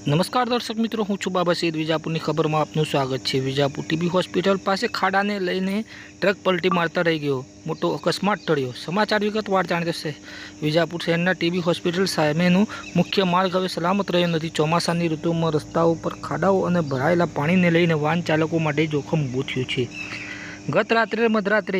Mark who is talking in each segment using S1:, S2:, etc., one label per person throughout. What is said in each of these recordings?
S1: નમસ્કાર દર્શક મિત્રો, હું છું બાબા સૈયદ. વિજાપુરની ખબરમાં આપનું સ્વાગત છે. વિજાપુર ટીબી હોસ્પિટલ પાસે ખાડાને લઈને ટ્રક પલટી મારતા રહી ગયો, મોટો અકસ્માત ટળ્યો. સમાચાર વિગતવાર જાણીએ. વિજાપુર શહેરના ટીબી હોસ્પિટલ સામેનું મુખ્ય માર્ગ હવે સલામત રહ્યો નથી. ચોમાસાની ઋતુમાં રસ્તાઓ પર ખાડાઓ અને ભરાયેલા પાણીને લઈને વાહન ચાલકો માટે જોખમ ઊભું થયું છે. ગત રાત્રે મધરાત્રે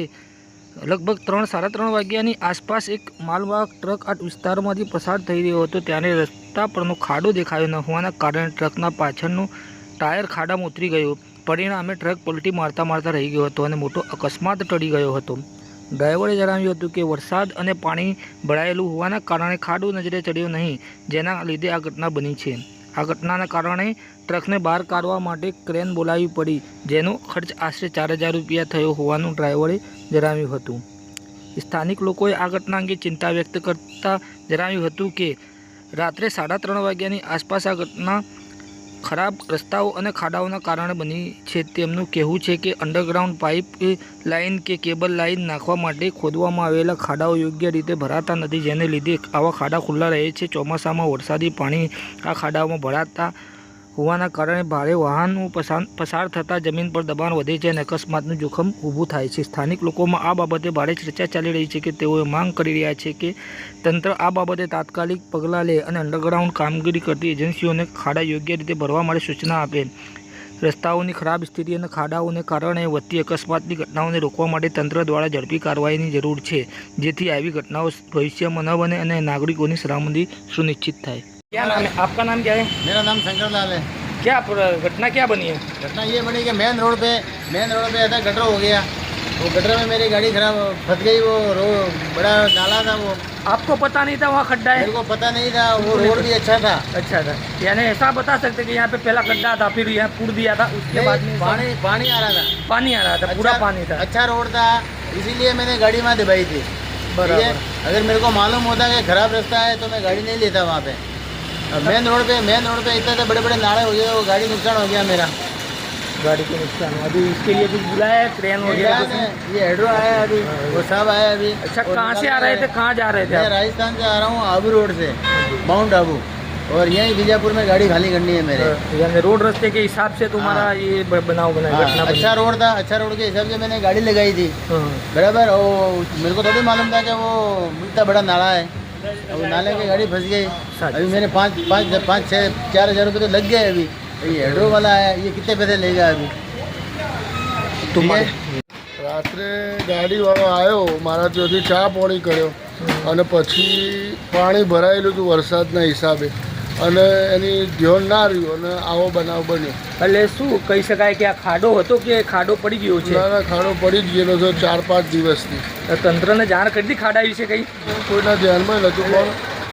S1: લગભગ 3-3:30 વાગ્યાની આસપાસ એક માલવાહક ટ્રક આ વિસ્તારમાંથી પસાર થઈ રહ્યો હતો. ત્યારે રસ્તા પરનો ખાડો દેખાયો ન હોવાના કારણે ટ્રકના પાછળનું ટાયર ખાડામાં ઉતરી ગયો. પરિણામે ટ્રક પલટી મારતા રહી ગયો હતો અને મોટો અકસ્માત ટળી ગયો હતો. ડ્રાઈવરે જણાવ્યું હતું કે વરસાદ અને પાણી ભરાયેલું હોવાના કારણે ખાડો નજરે ચડ્યો નહીં, જેના લીધે આ ઘટના બની છે. આ ઘટનાના કારણે ટ્રકને બહાર કાઢવા માટે ક્રેન બોલાવવી પડી, જેનો ખર્ચ આશરે 4,000 રૂપિયા થયો હોવાનું ડ્રાઈવરે જણાવ્યું હતું. સ્થાનિક લોકોએ આ ઘટના અંગે ચિંતા વ્યક્ત કરતા જણાવ્યું હતું કે રાત્રે 3:30 વાગ્યાની આસપાસ આ ઘટના ખરાબ રસ્તાઓ અને ખાડાઓના કારણે બની છે. તેમનું કહેવું છે કે અંડરગ્રાઉન્ડ પાઇપ લાઇન કે કેબલ લાઇન નાખવા માટે ખોદવામાં આવેલા ખાડાઓ યોગ્ય રીતે ભરાતા નથી, જેને લીધે આવા ખાડા ખુલ્લા રહે છે. ચોમાસામાં વરસાદી પાણી આ ખાડાઓમાં ભરાતા હોવાના કારણે ભારે વાહનો પસાર થતાં જમીન પર દબાણ વધે છે અને અકસ્માતનું જોખમ ઊભું થાય છે. સ્થાનિક લોકોમાં આ બાબતે ભારે ચર્ચા ચાલી રહી છે કે તેઓ માંગ કરી રહ્યા છે કે તંત્ર આ બાબતે તાત્કાલિક પગલાં લે અને અંડરગ્રાઉન્ડ કામગીરી કરતી એજન્સીઓને ખાડા યોગ્ય રીતે ભરવા માટે સૂચના આપે. રસ્તાઓની ખરાબ સ્થિતિ અને ખાડાઓને કારણે વધતી અકસ્માતની ઘટનાઓને રોકવા માટે તંત્ર દ્વારા ઝડપી કાર્યવાહીની જરૂર છે, જેથી આવી ઘટનાઓ ભવિષ્યમાં ન બને અને નાગરિકોની સલામતી સુનિશ્ચિત થાય. क्या नाम है आपका? नाम क्या है?
S2: मेरा नाम शंकर लाल है।
S1: क्या घटना क्या बनी है?
S2: घटना ये बनी कि मेन रोड पे ऐसा गटर हो गया, वो गटर में मेरी गाड़ी खराब फंस गई। वो रोड बड़ा नाला था, वो
S1: आपको पता नहीं था वहाँ खड्डा है?
S2: मेरे को पता नहीं था। वो रोड भी अच्छा था।
S1: यानी ऐसा बता सकते कि यहाँ पे पहला खड्डा था, फिर यहाँ पूर दिया था, उसके बाद में
S2: पानी आ रहा था।
S1: पूरा पानी था।
S2: अच्छा रोड था, इसीलिए मैंने गाड़ी वहाँ दबाई थी। बराबर। अगर मेरे को मालूम होता कि खराब रास्ता है तो मैं गाड़ी नहीं लेता वहाँ पे। मेन रोड पे इतने बड़े बड़े नाले हो गए, वो गाड़ी नुकसान हो गया मेरा।
S1: गाड़ी को नुकसान हुआ। अभी इसके लिए कुछ बुलाया है? क्रेन हो गया?
S2: ये हेड्रो आया अभी, वो सब आया अभी।
S1: अच्छा, कहाँ से आ रहे थे? कहाँ जा रहे थे?
S2: मैं राजस्थान से आ रहा हूँ, आबू रोड से, माउंट आबू, और यहीं बीजापुर में गाड़ी खाली करनी है मेरे।
S1: यानी रोड रास्ते के हिसाब से तुम्हारा ये बनाव बना?
S2: अच्छा रोड था, अच्छा रोड के हिसाब से मैंने गाड़ी लगाई थी, बराबर। और मेरे को थोड़ी मालूम था कि वो इतना बड़ा नाला है। अब नाले की गाड़ी फंस गई। अभी मैंने 4,000 रुपये तो लग गए। अभी ये हेड्रो वाला है, ये कितने पैसे लेगा अभी?
S3: રાત્રે ગાડીવાળો આવ્યો, મારા ત્યાંથી ચા પાણી કર્યો અને પછી પાણી ભરાયેલું હતું વરસાદના હિસાબે, અને એની ધ્યાન ના રહ્યું અને આવો બનાવ બન્યો.
S1: એટલે શું કહી શકાય કે આ ખાડો હતો કે ખાડો પડી ગયો છે?
S3: ના, ખાડો પડી જ ગયેલો છે 4-5 દિવસથી.
S1: તંત્રને જાણ કરી હતી ખાડા વિશે? કંઈ
S3: કોઈના ધ્યાનમાં નહોતું, પણ